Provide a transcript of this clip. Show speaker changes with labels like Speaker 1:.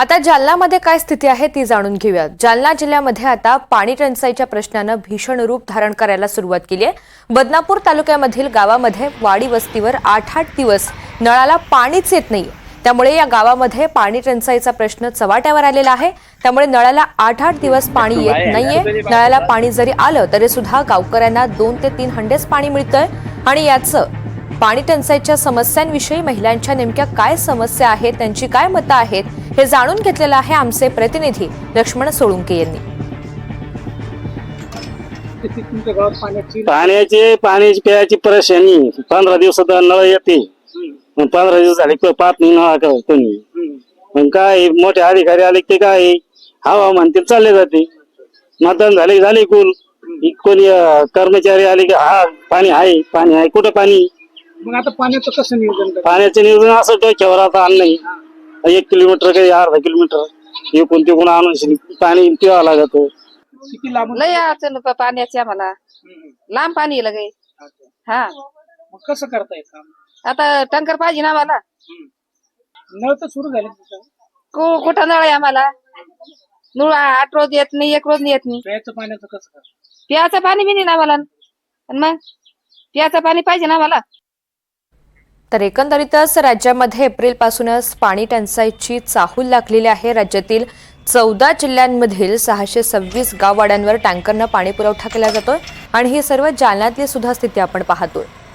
Speaker 1: आता जालन्यामध्ये काय स्थिती आहे ती जाणून घेऊया। जालना जिल्ह्यामध्ये आता पाणी टंचाईच्या प्रश्नानं भीषण रूप धारण करायला सुरुवात केली आहे। बदनापूर तालुक्यामधील गावामध्ये वाडी वस्तीवर 8-8 दिवस नळाला पाणीच येत नाही। त्यामुळे या गावामध्ये पाणी टंचाईचा प्रश्न चव्हाट्यावर आलेला आहे। त्यामुळे नळाला 8-8 दिवस पाणी येत नाहीये। नळाला पाणी जरी आलं तरी सुद्धा गावकऱ्यांना 2 ते 3 हंडेच पाणी मिळतंय आणि याचं पाणी टंचाईच्या समस्यांविषयी महिलांच्या नेमक्या काय समस्या आहेत, त्यांची काय मतं आहेत हे जाणून घेतलेलं आहे आमचे प्रतिनिधी लक्ष्मण सोळुंके यांनी।
Speaker 2: पाण्याची प्यायची परेशानी 15 दिवसात नळ येते। 15 दिवस झाले पाच नाही कोणी। मग काय मोठे अधिकारी आले की काय हवा म्हणते चालले जाते। मतदान झाले कुल कोणी कर्मचारी आले की हा पाणी आहे कुठं पाणी।
Speaker 3: मग आता पाण्याचं कसं नियोजन?
Speaker 2: पाण्याचं नियोजन असं डोक्यावर आता आणलंय। 1 किलोमीटर काही अर्धा किलोमीटर एकूण तिकून आणून पाणी पिवावं लागत।
Speaker 3: किती लांब?
Speaker 4: लय अडचण पाण्याची आम्हाला, लांब पाणी लगे। हा
Speaker 3: मग कसं करताय काम?
Speaker 4: आता टँकर पाहिजे ना आम्हाला।
Speaker 3: नळ तर सुरू झाले
Speaker 4: कुठं नळ आहे आम्हाला? नळ 8 रोज येत नाही, 1 रोज येत नाही।
Speaker 3: प्यायचं पाण्याचं कसं करताय?
Speaker 4: प्यायचं पाणी बी नाही आम्हाला। आणि मग प्यायचं पाणी पाहिजे ना आम्हाला।
Speaker 1: तर एकंदरीतच राज्यामध्ये एप्रिलपासूनच पाणी टंचाईची चाहूल लागलेली आहे। राज्यातील 14 जिल्ह्यांमधील 626 गाववाड्यांवर टँकरनं पाणी पुरवठा केला जातोय आणि ही सर्व जालन्यातली सुद्धा स्थिती आपण पाहतोय।